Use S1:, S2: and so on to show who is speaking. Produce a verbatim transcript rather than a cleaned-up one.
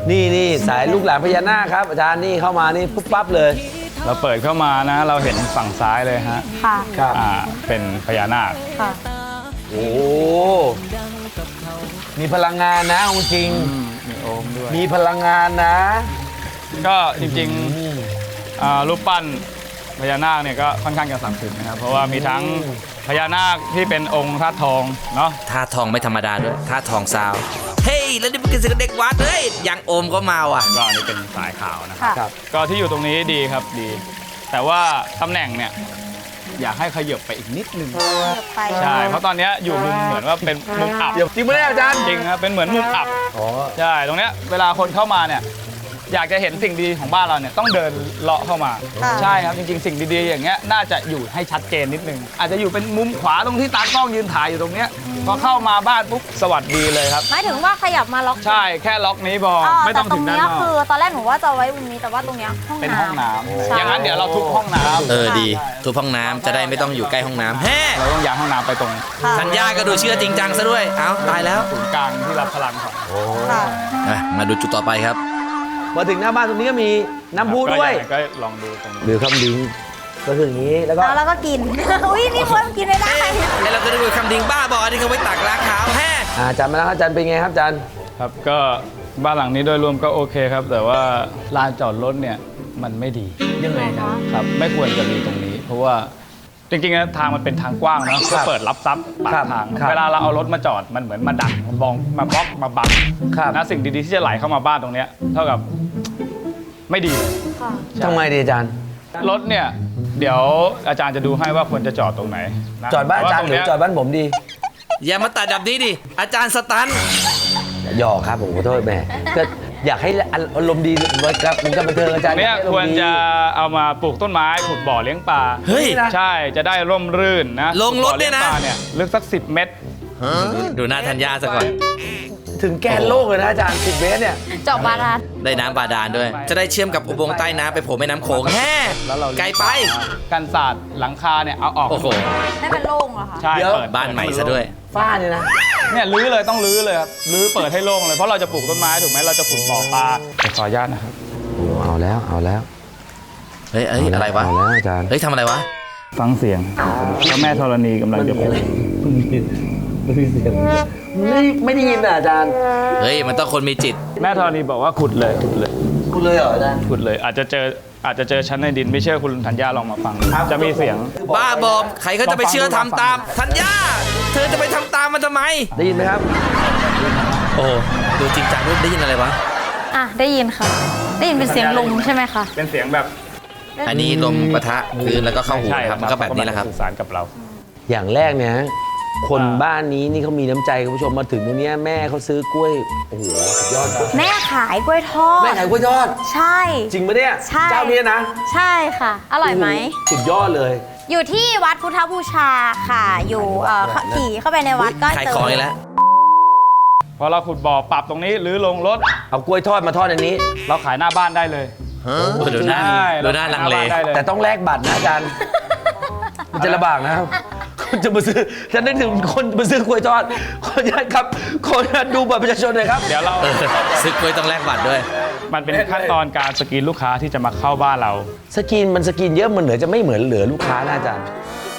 S1: นี่นี่สายลูกหลานพญานาคครับอาจารย์นี่เข้ามานี่ปุ๊บปั๊บเลย
S2: เราเปิดเข้ามานะเราเห็นฝั่งซ้ายเลยฮะ
S3: ค่ะ
S1: ครับ
S2: อ่าเป็นพญานาค
S3: ค่ะ
S1: โอ้มีพลังงานนะจริง
S2: มีโอมด้วย
S1: มีพลังงานนะ
S2: ก็จริงๆรูปปั้นพญานาคเนี่ยก็ค่อนข้างจะศักดิ์สิทธิ์นะครับเพราะว่ามีทั้งพญานาคที่เป็นองค์ธาตุทองเนาะ
S4: ธาตุทองไม่ธรรมดาด้วยธาตุทองซาวเฮ้ยแล้วนี่เป็นเด็กวัดเฮ้ยยังโอมก็มาว่ะ
S2: ก็อันนี้เป็นสายขาวนะครับก็ที่อยู่ตรงนี้ดีครับดีแต่ว่าตำแหน่งเนี่ยอยากให้ขยับไปอีกนิดนึงใช่เพราะตอนนี้อยู่มุมเหมือนว่าเป็นมุมอับ
S1: จริงไหมอาจารย์
S2: จริงครับเป็นเหมือนมุมอับใช่ตรงเนี้ยเวลาคนเข้ามาเนี่ยอยากจะเห็นสิ่งดีของบ้านเราเนี่ยต้องเดินเลาะเข้ามาใช่ครับจริงๆสิ่งดีๆอย่างเงี้ยน่าจะอยู่ให้ชัดเจนนิดนึงอาจจะอยู่เป็นมุมขวาตรงที่ตากล้องยืนถ่ายอยู่ตรงเนี้ยพอเข้ามาบ้านปุ๊บสวัสดีเลยครับ
S3: หมายถึงว่าขยับมาล็อก
S2: ใช่แค่ล็อกนี้พอไม่ต้องถึงด้านนอก
S3: คือตอนแรกหนูว่าจะไว้มุมนี้แต่ว่าตรงเนี้ย
S2: เป็นห้องน้ำอย่างนั้นเดี๋ยวเราทุบห้องน้ำ
S4: เออดีทุบห้องน้ำจะได้ไม่ต้องอยู่ใกล้ห้องน้ำแฮ่
S2: เราต้องย้ายห้องน้ำไปตรง
S4: ธัญญาก็ดูเชื่อจริงจังซะด้วยเอ้าตายแล้ว
S2: ศูนย์กลางที่รับพลังของ
S4: มาดูจุดต่อไปครับ
S1: มาถึงหน้าบ้านตรงนี้ก็มีน้ำพุด้วย
S2: ก็ลองดูตรงนี้
S1: หรือคำดิ้งก็คืออย่างนี้แล้วก็
S3: แล้วก็กินอุ้ยนี่คนกินไม่ได้
S4: แล้วเราก็ดูคำดิ้งบ้าบอที่เขาไว้ตักล้างเท้าแฮ่
S1: อาจารย์มาแล้วอาจารย์เป็นไงครับอาจารย์
S2: ครับก็บ้านหลังนี้โดยรวมก็โอเคครับแต่ว่าลานจอดรถเนี่ยมันไม่ดี
S1: ยังไง
S2: ครับไม่ควรจะมีตรงนี้เพราะว่าจริงๆนะทางมันเป็นทางกว้างนะก็เปิดรับซับปากทางเวลาเราเอารถมาจอดมันเหมือนมาดักมาบองมาบล็อกมาบังนะสิ่งดีๆที่จะไหลเข้ามาบ้านตรงนี้เท่ากับไม่ดี
S1: ทำไมดีอาจารย์
S2: รถเนี่ยเดี๋ยวอาจารย์จะดูให้ว่าควรจะจอดตรงไหน
S1: จอดบ้านอาจารย์หรือจอดบ้านผมดี
S4: อย่ามาตัดดับนี้ดิอาจารย์สตัน
S1: หยอกครับผมขอโทษแม่ก็อยากให้อารมณ์ดีไว้กับผมกับบันเทิงอาจารย์
S2: เนี่ยควรจะเอามาปลูกต้นไม้ขุดบ่อเลี้ยงปลา
S4: เฮ้ย
S2: ใช่จะได้ร่มรื่นนะ
S4: ลงรถเนี่ยนะ
S2: ลึกสักสิบเมตร
S4: ดูหน้าธัญญาซะก่อน
S1: ถึงแกนโลกเลยนะอาจารย์สิบเมตรเนี่ย
S3: เจาะบาดาล
S4: ได้น้ำบาดาลด้วยจะได้เชื่อมกับอุโมงค์ใต้น้ำไปโผล่แม่น้ำโขงแฮ่ไกลไป
S2: กันศาสตร์หลังคาเนี่ยเอาออก
S4: โอ้โห
S3: ได้เป็นโล่งเหรอคะ
S2: ใช่เปิด
S4: บ้านใหม่ซะด้วย
S1: ฝ้าเนี่ยนะ
S2: เนี่ยรื้อเลยต้องรื้อเลยครับรื้อเปิดให้โล่งเลยเพราะเราจะปลูกต้นไม้ถูกไหมเราจะขุดบ่อปลาขออนุญาตนะครับ
S1: โอ้เอาแล้วเอาแล้ว
S4: เฮ้ยอะไรวะ
S1: เอาแล้วอาจารย์
S4: เฮ้ยทำอะไรวะ
S2: ฟังเสียงพระแม่ธรณีกำลังจะพูด
S1: ไม่ได้ยินไม่ไม่ได้ยินอ่ะอาจารย์
S4: เฮ้ยมันต้องคนมีจิต
S2: แม่ธรณีบอกว่าขุดเลยขุดเลย
S1: ขุดเลยเหรออาจารย์
S2: ขุดเลยอาจจะเจออาจจะเจอชั้นในดินไม่เชื่อคุณธัญญาลองมาฟังจะมีเสียง
S4: บ้าบอมใครเขาจะไปเชื่อทำตามธัญญาเธอจะไปทำตามมันทำไม
S1: ได้ยินไหมครับ
S4: โอ้ดูจริงจังด้วยได้ยินอะไรวะ
S3: อ่ะได้ยินค่ะได้ยินเป็นเสียงลมใช่ไหมคะ
S2: เป็นเสียงแบบ
S4: อันนี้ลมปะทะพื้นแล้วก็เข้าหูครับมันก็แบบนี้แหละครับ
S2: สื่อสารกับเรา
S1: อย่างแรกเนี่ยคนบ้านนี้นี่เขามีน้ำใจคุณผู้ชมมาถึงตรงนี้แม่เขาซื้อกล้วยโอ้โหสุดยอด
S3: แม่ขายกล้วยทอด
S1: แม่ขายกล้วยทอด
S3: ใช่
S1: จริงปะเนี่ย
S3: ใช่
S1: เจ้านี้นะ
S3: ใช่ค่ะอร่อยไหม
S1: สุดยอดเลย
S3: อยู่ที่วัดพุทธบูชาค่ะอยู่เอ่อขี่เข้าไปในวัดก็
S4: ขายของอีกแล้ว
S2: พอเราขุดบ่อปรับตรงนี้หรือลงรถ
S1: เอากล้วยทอดมาทอดในนี้
S2: เราขายหน้าบ้านได้เลย
S4: ดูหน้าดูหน้าลังเล
S1: แต่ต้องแลกบัตรนะอาจารย์มันจะลำบากนะครับคนจะมาซื้อฉันนึกถึงคนมาซื้อกล้วยทอดขออนุญาตครับขออนุญาตดูบัตรประชาชนหน่อยครับ
S2: เดี๋ยวเรา
S4: ซื้อกล้วยต้องแลกบัตรด้วย
S2: มันเป็นขั้นตอนการสกรีนลูกค้าที่จะมาเข้าบ้านเรา
S1: สกรีนมันสกรีนเยอะมันเหนือจะไม่เหมือนเหลือลูกค้านะอาจารย์